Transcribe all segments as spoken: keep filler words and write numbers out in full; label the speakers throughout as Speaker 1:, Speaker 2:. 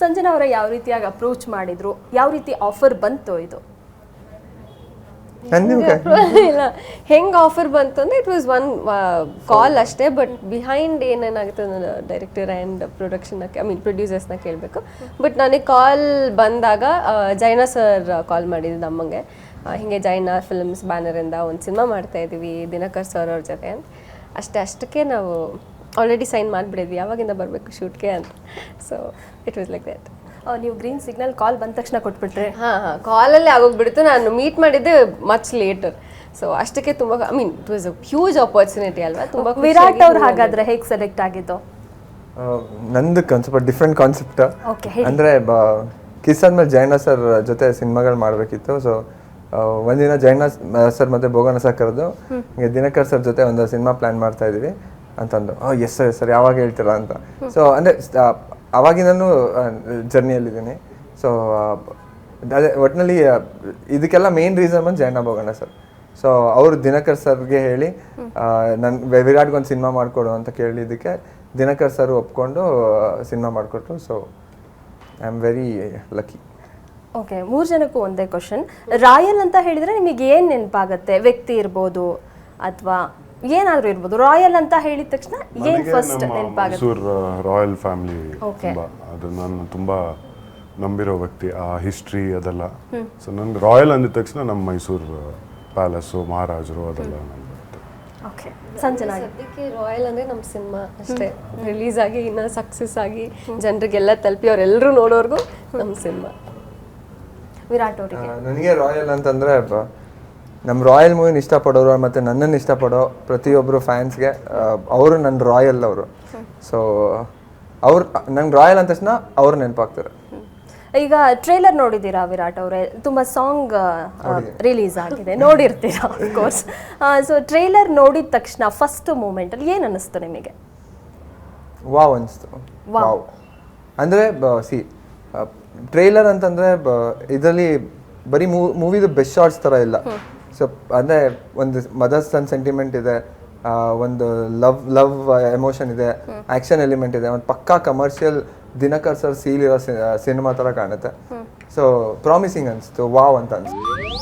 Speaker 1: ಸಂಜನಾ ಅವರ ಯಾವ ರೀತಿಯಾಗಿ ಅಪ್ರೋಚ್ ಮಾಡಿದ್ರು, ಯಾವ ರೀತಿ ಆಫರ್ ಬಂತು ಇದು?
Speaker 2: ಇಲ್ಲ ಹೆಂಗೆ ಆಫರ್ ಬಂತು ಅಂದರೆ ಇಟ್ ವಾಸ್ ಒನ್ ಕಾಲ್ ಅಷ್ಟೇ. ಬಟ್ ಬಿಹೈಂಡ್ ಏನೇನಾಗುತ್ತೆ director and production I mean ಪ್ರೊಡ್ಯೂಸರ್ಸ್ನ ಕೇಳಬೇಕು. ಬಟ್ ನನಗೆ ಕಾಲ್ ಬಂದಾಗ ಜೈನಾ ಸರ್ ಕಾಲ್ ಮಾಡಿದ್ದು ನಮ್ಮಂಗೆ, ಹೀಗೆ ಜೈನಾ ಫಿಲ್ಮ್ಸ್ ಬ್ಯಾನರಿಂದ ಒಂದು ಸಿನಿಮಾ ಮಾಡ್ತಾಯಿದ್ದೀವಿ ದಿನಕರ್ ಸರ್ ಅವ್ರ ಜೊತೆ ಅಂತ. ಅಷ್ಟೇ ಅಷ್ಟಕ್ಕೆ ನಾವು ಆಲ್ರೆಡಿ ಸೈನ್ ಮಾಡಿಬಿಡಿದ್ವಿ, ಯಾವಾಗಿಂದ ಬರಬೇಕು ಶೂಟ್ಗೆ ಅಂತ. So it was like that.
Speaker 1: ನೀವು ಗ್ರೀನ್ ಸಿಗ್ನಲ್ ಕಾಲ್ ಬಂದ ತಕ್ಷಣ ಕೊಟ್ಬಿಟ್ರೆ?
Speaker 2: ಹಾಂ ಹಾಂ ಕಾಲಲ್ಲೇ ಆಗೋಗ್ಬಿಡ್ತು. ನಾನು ಮೀಟ್ ಮಾಡಿದ್ದೆ ಮಚ್ ಲೇಟರ್. ಸೊ ಅಷ್ಟಕ್ಕೆ ತುಂಬ I mean it was a huge opportunity ಅಲ್ವಾ. ತುಂಬ
Speaker 1: ವಿರಾಟ್ ಅವ್ರು ಹಾಗಾದ್ರೆ ಹೇಗೆ ಸೆಲೆಕ್ಟ್ ಆಗಿದ್ದು?
Speaker 3: ನಂದು ಒಂದು ಸ್ವಲ್ಪ ಡಿಫ್ರೆಂಟ್ ಕಾನ್ಸೆಪ್ಟ್.
Speaker 1: ಓಕೆ.
Speaker 3: ಅಂದರೆ ಕಿಸ್ ಆದ್ಮೇಲೆ ಜೈನಾ ಸರ್ ಜೊತೆ ಸಿನಿಮಾಗಳು ಮಾಡಬೇಕಿತ್ತು. ಸೊ ಒಂದಿನ ಜೈನಾ ಸರ್ ಮತ್ತು ಬೋಗನ ಸರ್ ಕರೆದು ಹಿಂಗೆ ದಿನಕರ್ ಸರ್ ಜೊತೆ ಒಂದು ಸಿನಿಮಾ ಪ್ಲ್ಯಾನ್ ಮಾಡ್ತಾ ಇದ್ದೀವಿ ಅಂತಂದು. ಓ ಎಸ್ ಸರ್ ಸರ್ ಯಾವಾಗ ಹೇಳ್ತೀರಾ ಅಂತ. ಸೊ ಅಂದರೆ ಅವಾಗಿಂದನೂ ಜರ್ನಿಯಲ್ಲಿದ್ದೀನಿ. ಸೊ ಅದೇ ಒಟ್ಟಿನಲ್ಲಿ ಇದಕ್ಕೆಲ್ಲ ಮೇನ್ ರೀಸನ್ ಬಂದು ಜೈನಾ ಬೋಗಣ್ಣ ಸರ್. ಸೊ ಅವರು ದಿನಕರ್ ಸರ್ಗೆ ಹೇಳಿ ನನ್ನ ವಿರಾಟ್ಗೆ ಒಂದು ಸಿನಿಮಾ ಮಾಡಿಕೊಡು ಅಂತ ಕೇಳಿದ್ದಕ್ಕೆ ದಿನಕರ್ ಸರ್ ಒಪ್ಕೊಂಡು ಸಿನಿಮಾ ಮಾಡಿಕೊಟ್ರು. So I am very lucky.
Speaker 1: Okay, ಮೂರು ಜನಕ್ಕೂ ಒಂದೇ ಕ್ವಶನ್. ರಾಯಲ್ ಅಂತ ಹೇಳಿದರೆ ನಿಮಗೆ ಏನು ನೆನಪಾಗುತ್ತೆ? ವ್ಯಕ್ತಿ ಇರ್ಬೋದು ಅಥವಾ ಏನಾದರೂ ಇರ್ಬೋದು. ರಾಯಲ್ ಅಂತ ಹೇಳಿದ ತಕ್ಷಣ ಏನು ಫಸ್ಟ್ ನೆನಪಾಗುತ್ತೆ?
Speaker 4: ಮೈಸೂರು ರಾಯಲ್ ಫ್ಯಾಮಿಲಿ ತುಂಬ ಅದು ನಾನು ತುಂಬ ನಂಬಿರೋ ವ್ಯಕ್ತಿ, ಆ ಹಿಸ್ಟ್ರಿ ಅದೆಲ್ಲ. ಸೊ ನನಗೆ ರಾಯಲ್ ಅಂದಿದ ತಕ್ಷಣ ನಮ್ಮ ಮೈಸೂರು ಪ್ಯಾಲೇಸು ಮಹಾರಾಜರು ಅದೆಲ್ಲ ನನಗೆ.
Speaker 1: ಓಕೆ, ಸಂಜನಾ
Speaker 2: ಸದ್ಯಕ್ಕೆ ರಾಯಲ್ ಅಂದರೆ ನಮ್ಮ ಸಿನಿಮಾ ಅಷ್ಟೇ ರಿಲೀಸ್ ಆಗಿ ಇನ್ನೂ ಸಕ್ಸಸ್ ಆಗಿ ಜನರಿಗೆಲ್ಲ ತಲುಪಿ ಅವರೆಲ್ಲರೂ ನೋಡೋರ್ಗೂ ನಮ್ಮ ಸಿನಿಮಾ.
Speaker 1: ವಿರಾಟ್ ಅವರಿಗೆ
Speaker 3: ನನಗೆ ರಾಯಲ್ ಅಂತಂದರೆ ನಮ್ಮ ರಾಯಲ್ ಮೂವಿನ ಇಷ್ಟಪಡೋರು ಮತ್ತು ನನ್ನನ್ನು ಇಷ್ಟಪಡೋ ಪ್ರತಿಯೊಬ್ಬರು ಫ್ಯಾನ್ಸ್ಗೆ ಅವರು ನನ್ನ ರಾಯಲ್ ಅವರು. ಸೊ ಅವ್ರು ನಂಗೆ ರಾಯಲ್ ಅಂದ ತಕ್ಷಣ ಅವ್ರು ನೆನಪಾಗ್ತಾರೆ.
Speaker 1: ಈಗ ಟ್ರೇಲರ್ ನೋಡಿದ್ದೀರಾ ವಿರಾಟ್ ಅವರೇ? ತುಂಬ ಸಾಂಗ್ ರಿಲೀಸ್ ಆಗಿದೆ, ನೋಡಿರ್ತೀರಾ ಅಫ್ಕೋರ್ಸ್. ಸೊ ಟ್ರೇಲರ್ ನೋಡಿದ ತಕ್ಷಣ ಫಸ್ಟ್ ಮೂಮೆಂಟಲ್ಲಿ ಏನು ಅನ್ನಿಸ್ತು ನಿಮಗೆ?
Speaker 3: ವಾವ್ ಅನಿಸ್ತು. ವಾವ್ ಅಂದರೆ ಸಿ ಟ್ರೇಲರ್ ಅಂತಂದರೆ ಇದರಲ್ಲಿ ಬರೀ ಮೂ ಮೂವಿದು ಬೆಸ್ಟ್ ಶಾರ್ಟ್ಸ್ ಥರ ಇಲ್ಲ. ಸೊ ಅಂದರೆ ಒಂದು ಮದರ್ ಸನ್ ಸೆಂಟಿಮೆಂಟ್ ಇದೆ, ಒಂದು ಲವ್ ಲವ್ ಎಮೋಷನ್ ಇದೆ, ಆ್ಯಕ್ಷನ್ ಎಲಿಮೆಂಟ್ ಇದೆ, ಒಂದು ಪಕ್ಕಾ ಕಮರ್ಷಿಯಲ್ ದಿನಕರ್ ಸರ್ ಸೀಲ್ ಇರೋ ಸಿನಿಮಾ ಥರ ಕಾಣುತ್ತೆ. ಸೊ ಪ್ರಾಮಿಸಿಂಗ್ ಅನಿಸ್ತು, ವಾವ್ ಅಂತ ಅನಿಸ್ತು.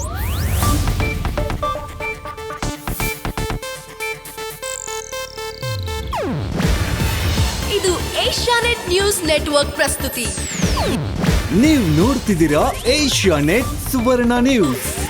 Speaker 5: ಇದು ಏಷ್ಯಾನೆಟ್ ನ್ಯೂಸ್ ನೆಟ್ವರ್ಕ್ ಪ್ರಸ್ತುತಿ.
Speaker 6: ನೀವು ನೋಡ್ತಿದ್ದೀರಾ ಏಷ್ಯಾನೆಟ್ ಸುವರ್ಣ ನ್ಯೂಸ್.